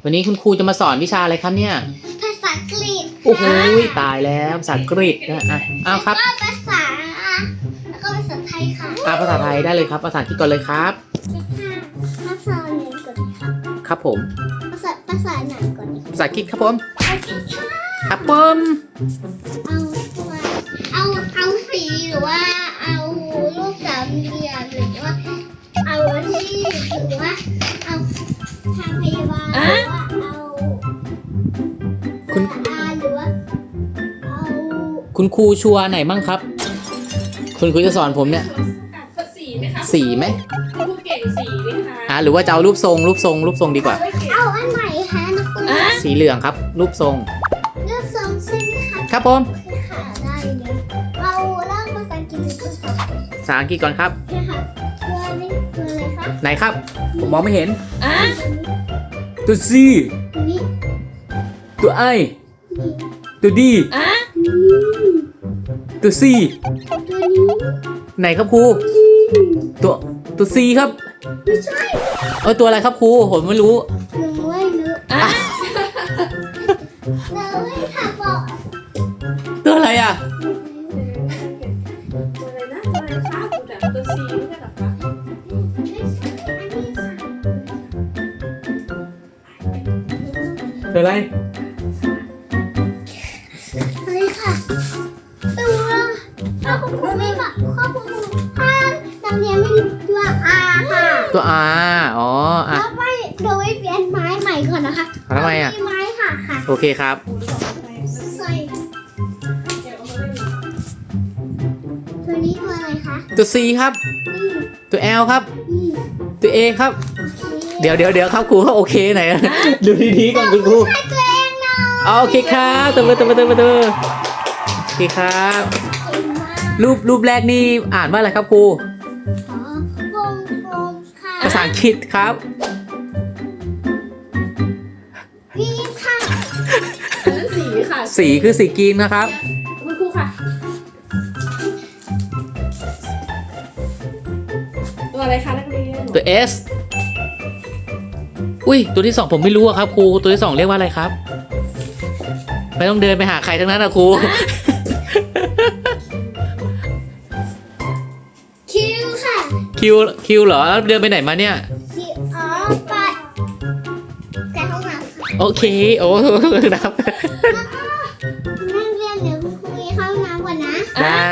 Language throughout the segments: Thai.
วันนี้คุณครูจะมาสอนวิชาอะไรครับเนี่ยภาษาอังกฤษโอ้โหตายแล้วภาษาอังกฤษนะอ้าวครับแล้วก็ภาษาไทยค่ะภาษาไทยได้เลยครับภาษาอังกฤษก่อนเลยครับภาษาเหนือก่อนค่ะครับผมภาษาไหนก่อนภาษาอังกฤษครับผมครับผมเอาสีหรือว่าเอารูปสามเหลี่ยมหรือว่าเอาที่หรือว่าเอาทางพยาบาลหรือว่าเอาคุณหรือว่าเอาคุณครูชัวร์ไหนมั่งครับคุณครูจะสอนผมเนี่ยสีไหมครูเก่งสีไหมคะหรือว่าจะเอารูปทรงดีกว่าเอาอันไหนคะนักเรียนสีเหลืองครับรูปทรงใช่ไหมคะครับผมค่ะได้เลยเราเริ่มภาษาอังกฤษก่อนค่ะภาษาอังกฤษก่อนครับค่ะตัวนี้ตัวอะไรคะไหนครับผมมองไม่เห็นตัว C นี้ตัว I ตัว D ตัว C ตัวนี้ไหนครับครูตัว C ครับไม่ใช่ตัวอะไรครับครูผมไม่รู้หนูไม่รู้เราไม่ถามบอกตัวอะไรอ่ะตัวอะไรนะตัวอะไรคะตัวซีไม่ใช่หรอคะตัวอะไรเฮ้ยค่ะตัวถ้าคุณครูไม่บอกข้อมูลถ้านักเรียนไม่รู้ตัว R ค่ะตัว R อ๋อแล้วไปโดยเปลี่ยนไม้ใหม่ก่อนนะคะทำไมอ่ะไม้ค่ะโอเคครับใส่ตัวนี้ตัวอะไรคะตัว C ครับตัว L ครับตัว A ครับเดี๋ยวครับครูเขาโอเคไหนดูดีๆก่อนคุณครูตัวเองเนาะโอเคครับตัวโอเคครับรูปแรกนี่อ่านว่าอะไรครับครูวงกลมค่ะภาษาอังกฤษครับพี่ค่ะอันนั้นสีค่ะสีคือสีกรีนนะครับคุณครูค่ะตัวอะไรคะนักเรียนตัว S อุ้ยตัวที่สองผมไม่รู้อะครับครูตัวที่สองเรียกว่าอะไรครับไม่ต้องเดินไปหาใครทั้งนั้นนะครูคิวค่ะคิวเหรอแล้วเดินไปไหนมาเนี่ยคิวไปแต่ห้องน้ำโอเคโอ้ครับนักเรียนเดี๋ยวคุณครูเข้าน้ำก่อนนะได้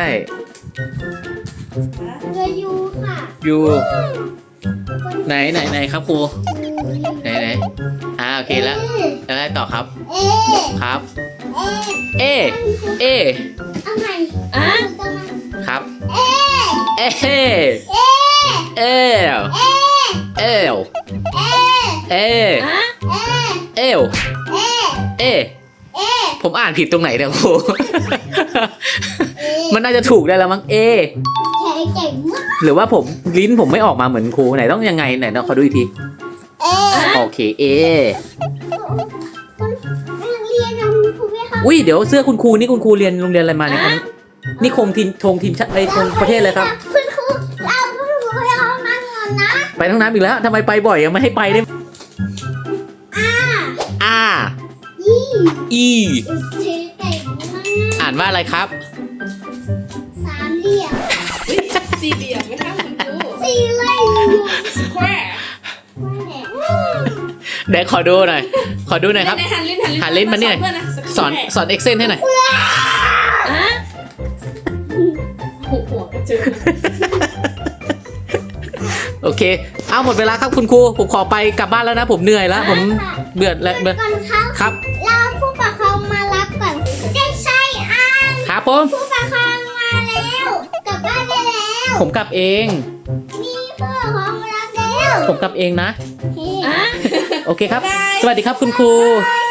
เรือยูค่ะยูไหนครับครูไหนโอเคแล้วอะไรต่อครับครับเอเอาใหม่ครับเอเอเอผมอ่านผิดตรงไหนเนี่ยครูมันน่าจะถูกได้แล้วมั้งเอหรือว่าลิ้นผมไม่ออกมาเหมือนครูไหนต้องยังไงไหนต้องขอดูอีกทีโอเคเออุ้ยเดี๋ยวเสื้อคุณครูนี่คุณครูเรียนโรงเรียนอะไรมาเนี่ยนี่ธงทีมชาติไอธงประเทศเลยครับคุณครูไปห้องน้ำก่อนนะไปห้องน้ำอีกแล้วทำไมไปบ่อยยังไม่ให้ไปได้อีอ่านว่าอะไรครับสามเหลี่ยมสี่เหลี่ยมไหมคะคุณครูสี่เหลี่ยมสแควร์เดี๋ยวขอดูหน่อยครับหันลิ้นมาเนี่ยสอนเอ็กเซนให้หน่อยหัวกระเจิงโอเคเอาหมดเวลาครับคุณครูผมขอไปกลับบ้านแล้วนะผมเหนื่อยแล้วผมเบื่อแล้วครับเราผู้ปกครองมารับก่อนได้ใช่ครับผมผู้ปกครองมาแล้วกลับบ้านได้แล้วผมกลับเองนี่ผู้ปกครองมารับแล้วผมกลับเองนะโอเคครับสวัสดีครับคุณครู